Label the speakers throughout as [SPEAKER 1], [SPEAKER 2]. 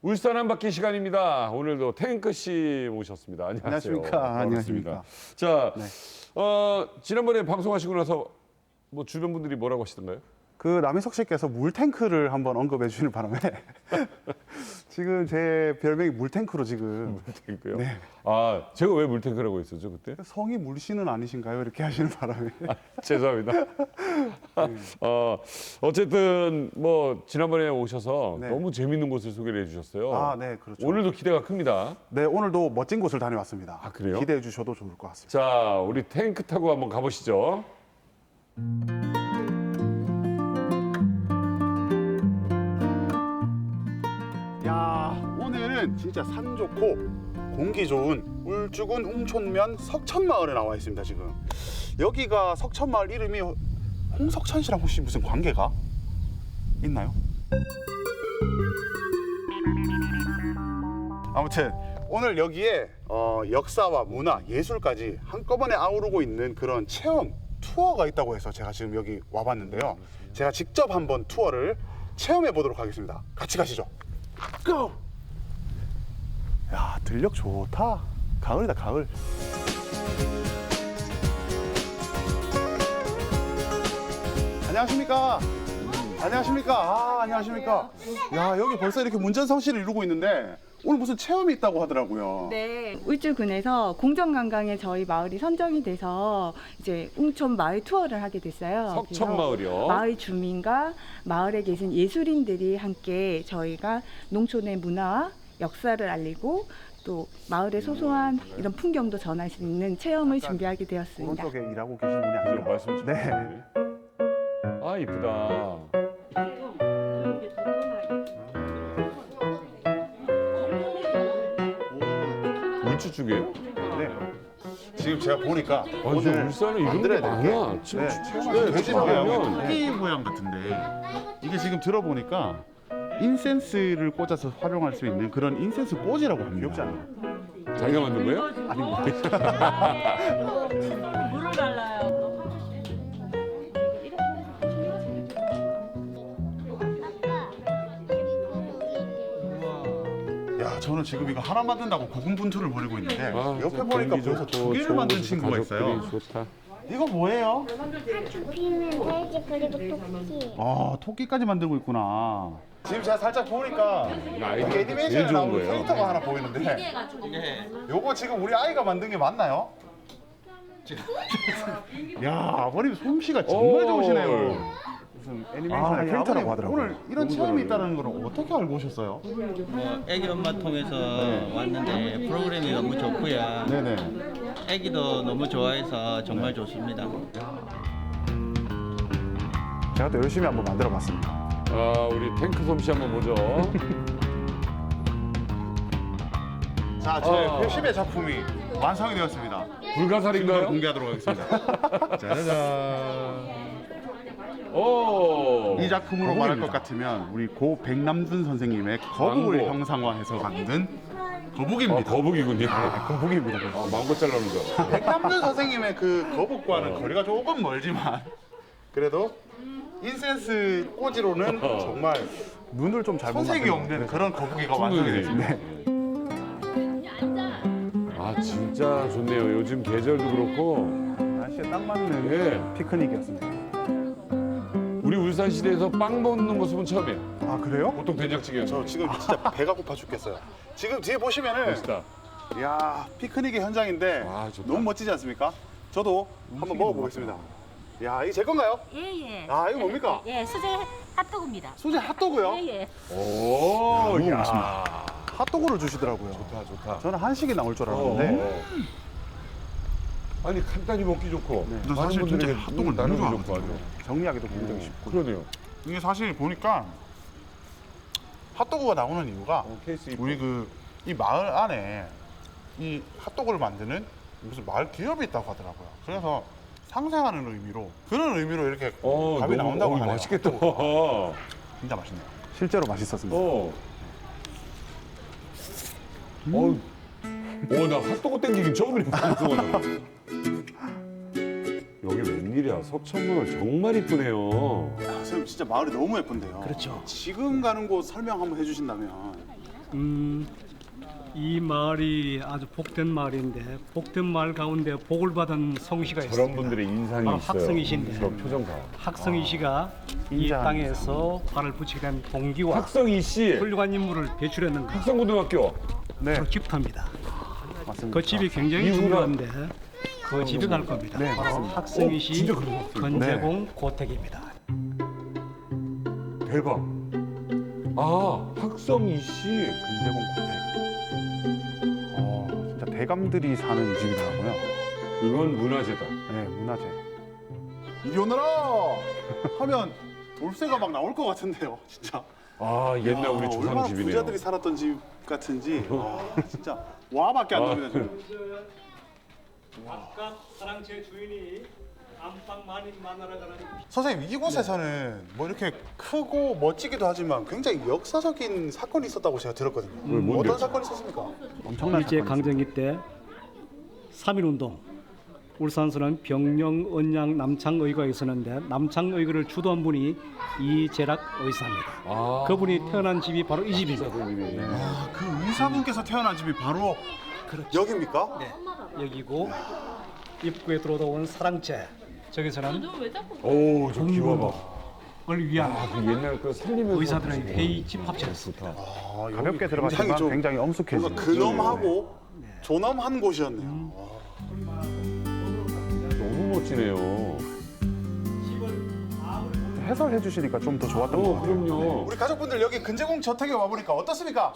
[SPEAKER 1] 울산 한 바퀴 시간입니다. 오늘도 탱크 씨 모셨습니다. 안녕하세요.
[SPEAKER 2] 안녕하십니까.
[SPEAKER 1] 반갑습니다. 자,
[SPEAKER 2] 네.
[SPEAKER 1] 지난번에 방송하시고 나서 뭐 주변 분들이 뭐라고 하시던가요?
[SPEAKER 2] 그 남희석 씨께서 물탱크를 한번 언급해 주시는 바람에 지금 제 별명이 물탱크로 지금
[SPEAKER 1] 물탱크요?
[SPEAKER 2] 네.
[SPEAKER 1] 아, 제가 왜 물탱크라고 했었죠 그때?
[SPEAKER 2] 성이 물씨는 아니신가요? 이렇게 하시는 바람에
[SPEAKER 1] 죄송합니다. 어쨌든 뭐 지난번에 오셔서
[SPEAKER 2] 네.
[SPEAKER 1] 너무 재밌는 곳을 소개를 해주셨어요.
[SPEAKER 2] 아, 네, 그렇죠.
[SPEAKER 1] 오늘도 기대가 큽니다.
[SPEAKER 2] 네, 오늘도 멋진 곳을 다녀왔습니다.
[SPEAKER 1] 아, 그래요?
[SPEAKER 2] 기대해 주셔도 좋을 것 같습니다.
[SPEAKER 1] 자, 우리 탱크 타고 한번 가보시죠.
[SPEAKER 2] 야, 오늘은 진짜 산 좋고 공기 좋은 울주군 웅촌면 석천마을에 나와 있습니다. 지금 여기가 석천마을 이름이 홍석천 씨랑 혹시 무슨 관계가 있나요? 아무튼 오늘 여기에 역사와 문화, 예술까지 한꺼번에 아우르고 있는 그런 체험 투어가 있다고 해서 제가 지금 여기 와봤는데요. 제가 직접 한번 투어를 체험해 보도록 하겠습니다. 같이 가시죠. 고! 야, 들녘 좋다. 가을이다, 가을. 안녕하십니까? 안녕하십니까? 아, 안녕하십니까? 야, 여기 벌써 이렇게 문전성시를 이루고 있는데 오늘 무슨 체험이 있다고 하더라고요.
[SPEAKER 3] 네, 울주군에서 공정관광에 저희 마을이 선정이 돼서 이제 웅촌 마을 투어를 하게 됐어요.
[SPEAKER 1] 석천
[SPEAKER 3] 그래서
[SPEAKER 1] 마을이요.
[SPEAKER 3] 마을 주민과 마을에 계신 예술인들이 함께 저희가 농촌의 문화와 역사를 알리고 또 마을의 소소한 이런 풍경도 전할 수 있는 체험을 준비하게 되었습니다.
[SPEAKER 2] 오른쪽에 일하고 계신 분이
[SPEAKER 1] 저
[SPEAKER 2] 아니라
[SPEAKER 1] 말씀 좀
[SPEAKER 2] 네.
[SPEAKER 1] 해주세요. 아, 이쁘다. 물주 쪽이에요?
[SPEAKER 2] 네. 지금 제가 보니까
[SPEAKER 1] 아니, 저 울산에 이런 게 많아. 지금
[SPEAKER 2] 네, 돼지
[SPEAKER 1] 가면
[SPEAKER 2] 모양, 토끼 모양 같은데 이게 지금 들어보니까 인센스를 꽂아서 활용할 수 있는 그런 인센스 꽂이라고 합니다. 귀엽지 않나요?
[SPEAKER 1] 자기가 만든 거예요?
[SPEAKER 3] 물을 달라요.
[SPEAKER 2] 야, 저는 지금 이거 하나 만든다고 고군분투를 벌이고 있는데
[SPEAKER 1] 아,
[SPEAKER 2] 옆에 보니까
[SPEAKER 1] 공기
[SPEAKER 2] 벌써
[SPEAKER 1] 좋고
[SPEAKER 2] 두 개를
[SPEAKER 1] 좋은
[SPEAKER 2] 만든
[SPEAKER 1] 곳에서
[SPEAKER 2] 친구가
[SPEAKER 1] 가족들이
[SPEAKER 2] 있어요.
[SPEAKER 1] 좋다.
[SPEAKER 2] 이거 뭐예요?
[SPEAKER 4] 피는 돼지 그리고 토끼.
[SPEAKER 2] 아, 토끼까지 만들고 있구나. 지금 제가 살짝 보니까
[SPEAKER 1] 아이디어가
[SPEAKER 2] 애니메이션에
[SPEAKER 1] 제일 좋은
[SPEAKER 2] 나오는
[SPEAKER 1] 거예요.
[SPEAKER 2] 캐릭터가 하나 보이는데 요거 지금 우리 아이가 만든 게 맞나요? 야, 아버님 솜씨가 정말
[SPEAKER 1] 오.
[SPEAKER 2] 좋으시네요. 무슨 애니메이션의 캐릭터라고 하더라고요. 오늘 이런
[SPEAKER 1] 너무
[SPEAKER 2] 체험이
[SPEAKER 1] 잘하네요.
[SPEAKER 2] 있다는 걸 어떻게 알고 오셨어요?
[SPEAKER 5] 애기 엄마 통해서 왔는데 프로그램이 너무 좋고요.
[SPEAKER 2] 네네.
[SPEAKER 5] 애기도 너무 좋아해서 정말 좋습니다.
[SPEAKER 2] 제가 또 열심히 한번 만들어 봤습니다.
[SPEAKER 1] 아, 우리 탱크 솜씨 한번 보죠.
[SPEAKER 2] 자, 제
[SPEAKER 1] 아.
[SPEAKER 2] 회심의 작품이 완성이 되었습니다.
[SPEAKER 1] 불가사리인가요?
[SPEAKER 2] 공개하도록 하겠습니다. 짜자잔.
[SPEAKER 1] 오.
[SPEAKER 2] 이 작품으로 말할 것
[SPEAKER 1] 거북입니다.
[SPEAKER 2] 같으면 우리 고 백남준 선생님의 거북을
[SPEAKER 1] 망고.
[SPEAKER 2] 형상화해서 만든
[SPEAKER 1] 아,
[SPEAKER 2] 거북입니다.
[SPEAKER 1] 거북이군요.
[SPEAKER 2] 거북입니다.
[SPEAKER 1] 아, 망고 잘라는 줄 알았어.
[SPEAKER 2] 백남준 선생님의 그 거북과는 거리가 조금 멀지만 그래도 인센스 꽂이로는 정말 눈을 좀 잘 손색이 없는 그런 거북이가 완성이 됐습니다.
[SPEAKER 1] 아, 진짜 좋네요. 요즘 계절도 그렇고
[SPEAKER 2] 날씨에 딱 맞는
[SPEAKER 1] 예.
[SPEAKER 2] 피크닉이었습니다.
[SPEAKER 1] 우리 울산 시대에서 빵 먹는 모습은 처음이에요.
[SPEAKER 2] 아, 그래요?
[SPEAKER 1] 보통 된장찌개요.
[SPEAKER 2] 저 지금 진짜 배가 고파 죽겠어요. 지금 뒤에 보시면은
[SPEAKER 1] 멋있다.
[SPEAKER 2] 야, 피크닉의 현장인데
[SPEAKER 1] 와, 좋다.
[SPEAKER 2] 너무 멋지지 않습니까? 저도 한번 먹어보겠습니다. 야, 이게 제 건가요?
[SPEAKER 6] 예예.
[SPEAKER 2] 아, 이거 뭡니까?
[SPEAKER 6] 예, 수제 핫도그입니다.
[SPEAKER 2] 소재 핫도그요?
[SPEAKER 6] 예예.
[SPEAKER 1] 오,
[SPEAKER 2] 너무
[SPEAKER 1] 야.
[SPEAKER 2] 맛있습니다. 핫도그를 주시더라고요.
[SPEAKER 1] 좋다, 좋다.
[SPEAKER 2] 저는 한식이 나올 줄 알았는데
[SPEAKER 1] 아니, 간단히 먹기 좋고.
[SPEAKER 2] 저
[SPEAKER 1] 많은
[SPEAKER 2] 사실 진짜
[SPEAKER 1] 분들에게
[SPEAKER 2] 핫도그를
[SPEAKER 1] 나누기
[SPEAKER 2] 너무
[SPEAKER 1] 좋고
[SPEAKER 2] 좋아하거든요.
[SPEAKER 1] 아주.
[SPEAKER 2] 정리하기도 굉장히 쉽고.
[SPEAKER 1] 그러네요.
[SPEAKER 2] 이게 사실 보니까 핫도그가 나오는 이유가
[SPEAKER 1] 케이스 이뻐.
[SPEAKER 2] 우리 이 마을 안에 이 핫도그를 만드는 무슨 마을 기업이 있다고 하더라고요. 그래서 상생하는 의미로 그런 의미로 이렇게 밥이 나온다고 하네요.
[SPEAKER 1] 맛있겠다.
[SPEAKER 2] 진짜 맛있네요. 실제로 맛있었습니다.
[SPEAKER 1] 나 핫도그 땡기긴 처음이네. 방송하는. 여기 웬일이야. 석천마을 정말 이쁘네요.
[SPEAKER 2] 선생님 진짜 마을이 너무 예쁜데요. 그렇죠. 지금 가는 곳 설명 한번 해주신다면.
[SPEAKER 7] 이 마을이 아주 복된 마을인데 복된 마을 가운데 복을 받은 성씨가 있습니다.
[SPEAKER 1] 저런 분들의 인상이
[SPEAKER 7] 바로
[SPEAKER 1] 있어요.
[SPEAKER 7] 학성이신데
[SPEAKER 1] 저 표정 봐.
[SPEAKER 7] 학성이 씨가 이
[SPEAKER 2] 인자한
[SPEAKER 7] 땅에서 발을 붙이게 된 동기와
[SPEAKER 1] 학성이 씨,
[SPEAKER 7] 훌륭한 인물을 배출했는가
[SPEAKER 1] 학성고등학교.
[SPEAKER 2] 네,
[SPEAKER 7] 바로 집터입니다.
[SPEAKER 2] 맞습니다.
[SPEAKER 7] 그 집이 굉장히
[SPEAKER 1] 이후가-
[SPEAKER 7] 중요한데 그 집에 갈 겁니다.
[SPEAKER 2] 네,
[SPEAKER 7] 바로
[SPEAKER 2] 맞습니다.
[SPEAKER 7] 학성이 씨
[SPEAKER 1] 진짜 그런 것 같아요.
[SPEAKER 7] 건재공 고택입니다.
[SPEAKER 1] 대박. 아, 학성이 씨.
[SPEAKER 2] 금제공 고택. 진짜 대감들이 사는 집이더라고요.
[SPEAKER 1] 이건 문화재다.
[SPEAKER 2] 네, 문화재. 이리 오너라 하면 돌쇠가 막 나올 것 같은데요, 진짜.
[SPEAKER 1] 아, 옛날 우리
[SPEAKER 2] 얼마나
[SPEAKER 1] 조상 집이네요.
[SPEAKER 2] 부자들이 살았던 집 같은지. 진짜 와밖에 안 나옵니다 지금.
[SPEAKER 7] 아까 사랑채 주인이 안방 많이 만나러 가는
[SPEAKER 2] 선생님, 이곳에서는 뭐 이렇게 크고 멋지기도 하지만 굉장히 역사적인 사건이 있었다고 제가 들었거든요.
[SPEAKER 1] 뭔데요?
[SPEAKER 2] 어떤 사건이 있었습니까? 엄청난
[SPEAKER 7] 일제
[SPEAKER 2] 사건이
[SPEAKER 7] 강점기 때 3.1운동 울산서는 병령, 언양, 남창의가 있었는데 남창의를 주도한 분이 이재락 의사입니다.
[SPEAKER 1] 아.
[SPEAKER 7] 그분이 태어난 집이 바로 이 집입니다.
[SPEAKER 2] 아, 그 의사분께서 태어난 집이 바로 여기입니까?
[SPEAKER 7] 네, 여기고 입구에 들어오는 사랑채 저기서는
[SPEAKER 1] 오, 저 기와 봐.
[SPEAKER 7] 을 위한
[SPEAKER 1] 아, 그 옛날 그 살리면서
[SPEAKER 7] 의사들의 회의 집합체였습니다.
[SPEAKER 2] 가볍게 들어갔지만 굉장히 엄숙해진. 뭔가 근엄하고 존엄한 곳이었네요.
[SPEAKER 1] 너무 멋지네요.
[SPEAKER 2] 해설해 주시니까 좀 더 좋았던 것 같아요.
[SPEAKER 1] 그럼요.
[SPEAKER 2] 우리 가족분들 여기 근제공 저택에 와보니까 어떻습니까?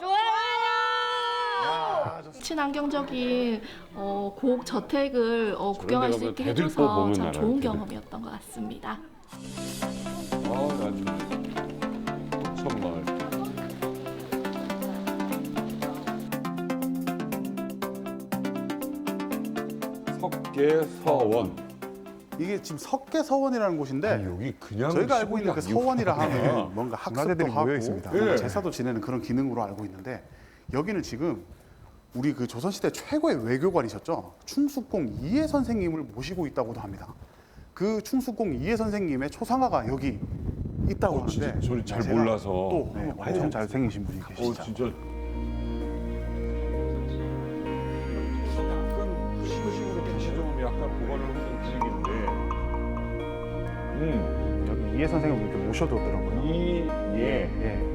[SPEAKER 8] 친환경적인 고옥 저택을 구경할 수
[SPEAKER 1] 가면
[SPEAKER 8] 있게
[SPEAKER 1] 대들보
[SPEAKER 8] 해줘서
[SPEAKER 1] 보면
[SPEAKER 8] 참
[SPEAKER 1] 알아요,
[SPEAKER 8] 좋은
[SPEAKER 1] 대들.
[SPEAKER 8] 경험이었던 것 같습니다.
[SPEAKER 1] 아, 난 천마을. 석계서원.
[SPEAKER 2] 이게 지금 석계서원이라는 곳인데
[SPEAKER 1] 아니, 여기 그냥
[SPEAKER 2] 저희가 알고 있는 그
[SPEAKER 1] 시골이
[SPEAKER 2] 서원이라
[SPEAKER 1] 아니구나.
[SPEAKER 2] 하면 뭔가 학습도
[SPEAKER 9] 문화재들이
[SPEAKER 2] 하고
[SPEAKER 9] 모여 있습니다.
[SPEAKER 2] 뭔가
[SPEAKER 1] 예.
[SPEAKER 2] 제사도 지내는 그런 기능으로 알고 있는데 여기는 지금 우리 그 조선시대 최고의 외교관이셨죠. 충숙공 이해 선생님을 모시고 있다고도 합니다. 그 충숙공 이해 선생님의 초상화가 여기 있다고 하는데
[SPEAKER 1] 진짜 저를 잘
[SPEAKER 2] 제가
[SPEAKER 1] 몰라서.
[SPEAKER 2] 또 엄청 잘생기신 분이 계시죠.
[SPEAKER 1] 진짜. 약간 시골식으로 다시 좀 약간 보관을 하는 분위기인데.
[SPEAKER 2] 여기 이해 선생님 이렇게 모셔뒀더라고요.
[SPEAKER 1] 예.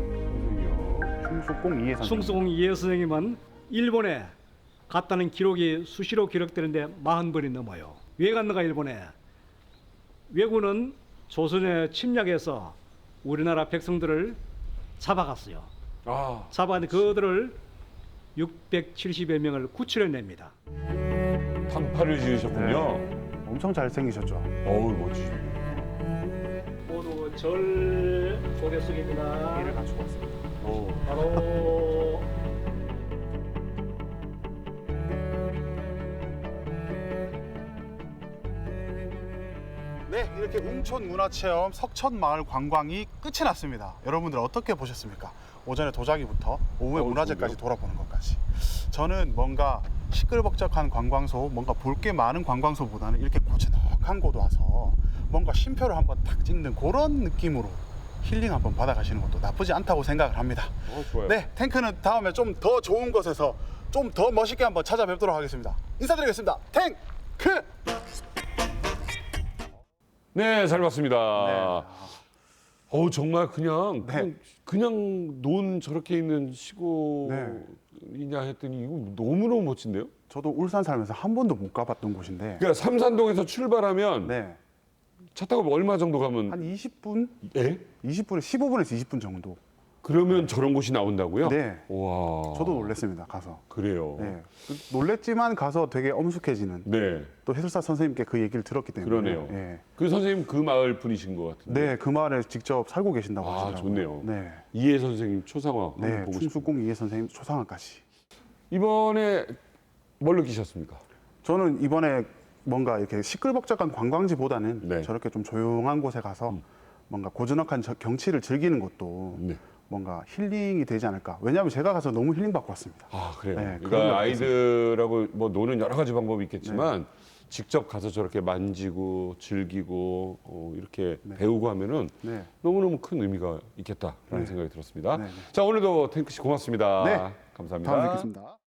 [SPEAKER 2] 충숙공 이해 선생님.
[SPEAKER 7] 충수공 이해 선생님은 일본에 갔다는 기록이 수시로 기록되는데 40번이 넘어요. 왜 갔는가 일본에? 왜군은 조선에 침략해서 우리나라 백성들을 잡아갔어요.
[SPEAKER 1] 아,
[SPEAKER 7] 잡아갔는데 그들을 670여 명을 구출해냅니다.
[SPEAKER 1] 단파를 지으셨군요.
[SPEAKER 2] 엄청 잘생기셨죠.
[SPEAKER 1] 어우, 멋지죠.
[SPEAKER 7] 모두 절 고개 숙입니다.
[SPEAKER 2] 이를 갖추고 왔습니다.
[SPEAKER 7] 바로
[SPEAKER 2] 네, 이렇게 웅촌 문화체험 석천마을 관광이 끝이 났습니다. 여러분들 어떻게 보셨습니까? 오전에 도자기부터 오후에 문화재까지 돌아보는 것까지. 저는 뭔가 시끌벅적한 관광소, 뭔가 볼 게 많은 관광소보다는 이렇게 고즈넉한 곳 와서 뭔가 쉼표를 한번 탁 찍는 그런 느낌으로 힐링 한번 받아가시는 것도 나쁘지 않다고 생각을 합니다.
[SPEAKER 1] 좋아요.
[SPEAKER 2] 네, 탱크는 다음에 좀 더 좋은 곳에서 좀 더 멋있게 한번 찾아뵙도록 하겠습니다. 인사드리겠습니다. 탱크!
[SPEAKER 1] 네, 잘 봤습니다.
[SPEAKER 2] 네.
[SPEAKER 1] 어우, 정말 그냥,
[SPEAKER 2] 네.
[SPEAKER 1] 그냥 논 저렇게 있는 시골이냐 했더니 이거 너무너무 멋진데요?
[SPEAKER 2] 저도 울산 살면서 한 번도 못 가봤던 곳인데
[SPEAKER 1] 그러니까 삼산동에서 출발하면
[SPEAKER 2] 네,
[SPEAKER 1] 차 타고 얼마 정도 가면
[SPEAKER 2] 한 20분?
[SPEAKER 1] 예?
[SPEAKER 2] 20분에 15분에서 20분 정도.
[SPEAKER 1] 그러면 저런 곳이 나온다고요?
[SPEAKER 2] 네.
[SPEAKER 1] 와.
[SPEAKER 2] 저도 놀랐습니다. 가서.
[SPEAKER 1] 그래요.
[SPEAKER 2] 네. 놀랬지만 가서 되게 엄숙해지는
[SPEAKER 1] 네.
[SPEAKER 2] 또 해설사 선생님께 그 얘기를 들었기 때문에
[SPEAKER 1] 그러네요.
[SPEAKER 2] 네.
[SPEAKER 1] 그 선생님 그 마을 분이신 것 같은데.
[SPEAKER 2] 네, 그 마을에 직접 살고 계신다고
[SPEAKER 1] 아,
[SPEAKER 2] 하시더라고요.
[SPEAKER 1] 좋네요.
[SPEAKER 2] 네.
[SPEAKER 1] 이해 선생님 초상화 한번
[SPEAKER 2] 네,
[SPEAKER 1] 보고 싶어요.
[SPEAKER 2] 충숙공 이해 선생님 초상화까지.
[SPEAKER 1] 이번에 뭘 느끼셨습니까?
[SPEAKER 2] 저는 이번에 뭔가 이렇게 시끌벅적한 관광지보다는
[SPEAKER 1] 네.
[SPEAKER 2] 저렇게 좀 조용한 곳에 가서 뭔가 고즈넉한 경치를 즐기는 것도
[SPEAKER 1] 네.
[SPEAKER 2] 뭔가 힐링이 되지 않을까. 왜냐하면 제가 가서 너무 힐링 받고 왔습니다.
[SPEAKER 1] 아, 그래요.
[SPEAKER 2] 네, 그런
[SPEAKER 1] 그러니까
[SPEAKER 2] 것
[SPEAKER 1] 아이들하고 뭐 노는 여러 가지 방법이 있겠지만 직접 가서 저렇게 만지고 즐기고 이렇게
[SPEAKER 2] 네.
[SPEAKER 1] 배우고 하면은
[SPEAKER 2] 네.
[SPEAKER 1] 너무너무 큰 의미가 있겠다라는
[SPEAKER 2] 네.
[SPEAKER 1] 생각이 들었습니다.
[SPEAKER 2] 네, 네.
[SPEAKER 1] 자, 오늘도 탱크 씨 고맙습니다.
[SPEAKER 2] 네.
[SPEAKER 1] 감사합니다.
[SPEAKER 2] 다음에 뵙겠습니다.